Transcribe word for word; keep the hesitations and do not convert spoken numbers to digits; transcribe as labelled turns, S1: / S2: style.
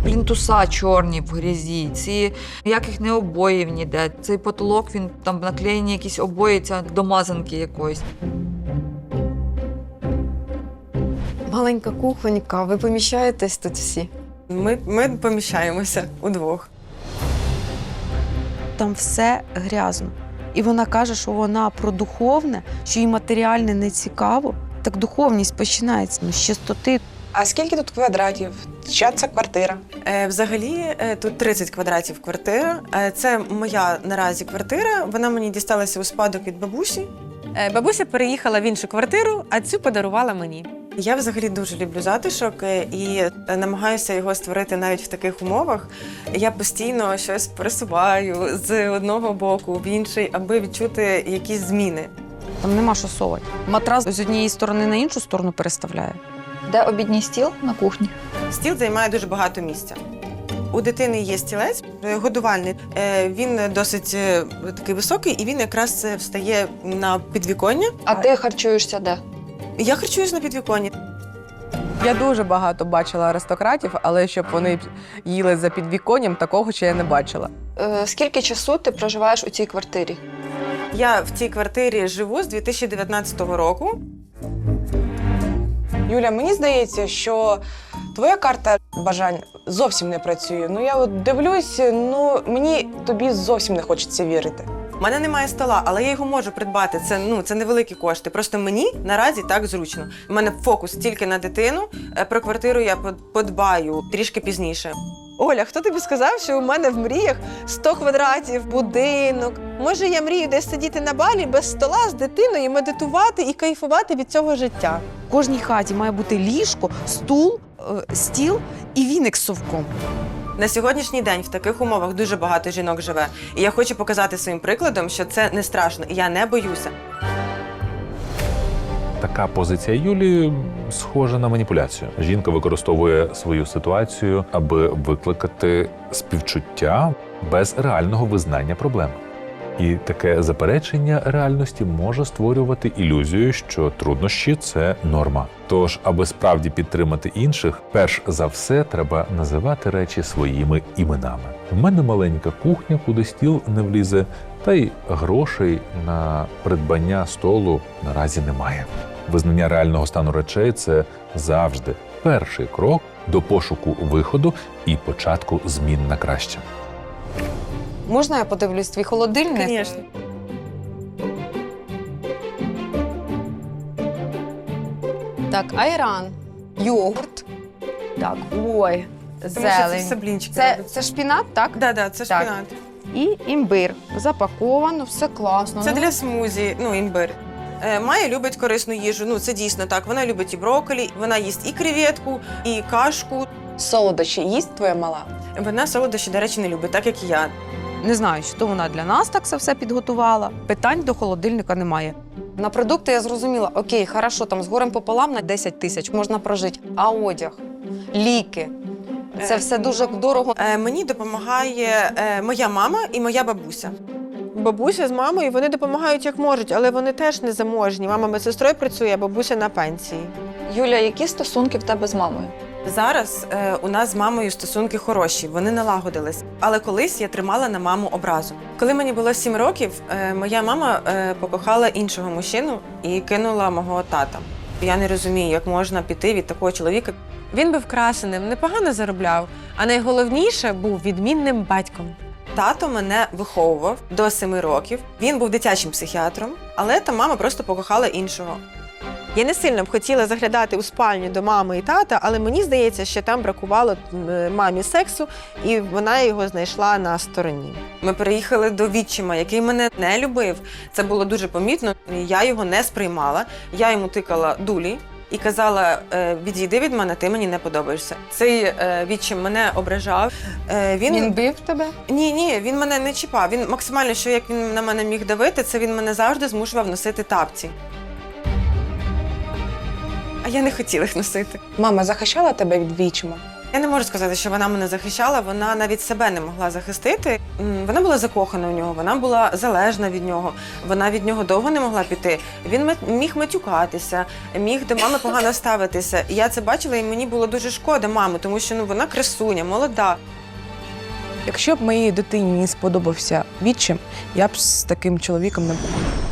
S1: плінтуса чорні в грязі, ці ніяких не обоїв ніде. Цей потолок, він там наклеєні якісь обої, ця до мазанки якоїсь.
S2: Маленька кухонька, ви поміщаєтесь тут всі?
S3: Ми, ми поміщаємося удвох.
S4: Там все грязно. І вона каже, що вона про духовне, що їй матеріальне не цікаво. Так духовність починається ну, з чистоти.
S5: А скільки тут квадратів? Чия це квартира?
S3: Е, взагалі, е, тут тридцять квадратів квартира. Е, це моя наразі квартира. Вона мені дісталася у спадок від бабусі. Е, бабуся переїхала в іншу квартиру, а цю подарувала мені. Я взагалі дуже люблю затишок е, і намагаюся його створити навіть в таких умовах. Я постійно щось пересуваю з одного боку в інший, аби відчути якісь зміни.
S4: Там нема що совати. Матрас з однієї сторони на іншу сторону переставляє.
S1: Де обідній стіл? На кухні.
S3: Стіл займає дуже багато місця. У дитини є стілець годувальний. Е, Він досить е, такий високий, і він якраз встає на підвіконня.
S1: А ти харчуєшся де?
S3: Я харчуюсь на підвіконні.
S6: Я дуже багато бачила аристократів, але щоб вони їли за підвіконням, такого ще я не бачила.
S1: Е, скільки часу ти проживаєш у цій квартирі?
S3: Я в цій квартирі живу з дві тисячі дев'ятнадцятого року.
S5: Юля, мені здається, що твоя карта бажань зовсім не працює. Ну я от дивлюсь, ну мені тобі зовсім не хочеться вірити.
S3: У мене немає стола, але я його можу придбати. Це, ну, це невеликі кошти. Просто мені наразі так зручно. У мене фокус тільки на дитину. Е, Про квартиру я подбаю трішки пізніше. Оля, хто тобі сказав, що у мене в мріях сто квадратів, будинок? Може, я мрію десь сидіти на балі без стола з дитиною, медитувати і кайфувати від цього життя?
S4: В кожній хаті має бути ліжко, стул, е, стіл і віник з совком.
S3: На сьогоднішній день в таких умовах дуже багато жінок живе. І я хочу показати своїм прикладом, що це не страшно, і я не боюся.
S7: Така позиція Юлії схожа на маніпуляцію. Жінка використовує свою ситуацію, аби викликати співчуття без реального визнання проблеми. І таке заперечення реальності може створювати ілюзію, що труднощі – це норма. Тож, аби справді підтримати інших, перш за все треба називати речі своїми іменами. В мене маленька кухня, куди стіл не влізе, та й грошей на придбання столу наразі немає. Визнання реального стану речей – це завжди перший крок до пошуку виходу і початку змін на краще.
S2: Можна я подивлюсь твій холодильник?
S3: Звісно.
S2: Так, айран, йогурт. Так, ой,
S3: Тому що це все
S2: зелень.
S3: блінчики.
S2: Це,
S3: робиться.
S2: це шпінат, так?
S3: Да, да, це
S2: Так.
S3: шпинат.
S2: І імбир. Запаковано, все класно.
S3: Це
S2: Ну,
S3: для смузі, ну, імбир. Е, Майя любить корисну їжу, ну це дійсно так. Вона любить і брокколі, вона їсть і креветку, і кашку.
S5: Солодощі їсть твоя мала?
S3: Вона солодощі, до речі, не любить, так як і я.
S4: Не знаю, що вона для нас так це все підготувала. Питань до холодильника немає.
S2: На продукти я зрозуміла, окей, хорошо, там з горем пополам на десять тисяч можна прожити. А одяг, ліки, це все дуже дорого.
S3: Е, Мені допомагає е, моя мама і моя бабуся. Бабуся з мамою, вони допомагають як можуть, але вони теж не заможні. Мама медсестрою працює, а бабуся на пенсії.
S1: Юля, які стосунки в тебе з мамою?
S3: Зараз е, у нас з мамою стосунки хороші, вони налагодились. Але колись я тримала на маму образу. Коли мені було сім років, е, моя мама е, покохала іншого мужчину і кинула мого тата. Я не розумію, як можна піти від такого чоловіка. Він був красеним, непогано заробляв, а найголовніше був відмінним батьком. Тато мене виховував до семи років. Він був дитячим психіатром, але та мама просто покохала іншого. Я не сильно б хотіла заглядати у спальню до мами і тата, але мені здається, що там бракувало мамі сексу, і вона його знайшла на стороні. Ми переїхали до відчима, який мене не любив. Це було дуже помітно. Я його не сприймала. Я йому тикала дулі і казала: відійди від мене, ти мені не подобаєшся. Цей відчим мене ображав. Він...
S2: Він бив тебе?
S3: Ні, ні, він мене не чіпав. Він максимально, що як він на мене міг давити, це він мене завжди змушував носити тапці. А я не хотіла їх носити.
S5: Мама захищала тебе від відчима?
S3: Я не можу сказати, що вона мене захищала, вона навіть себе не могла захистити. М, Вона була закохана в нього, вона була залежна від нього, вона від нього довго не могла піти. Він мет- міг матюкатися, міг до мами погано ставитися. І я це бачила, і мені було дуже шкода мами, тому що ну, вона красуня, молода.
S5: Якщо б моїй дитині не сподобався відчим, я б з таким чоловіком не була.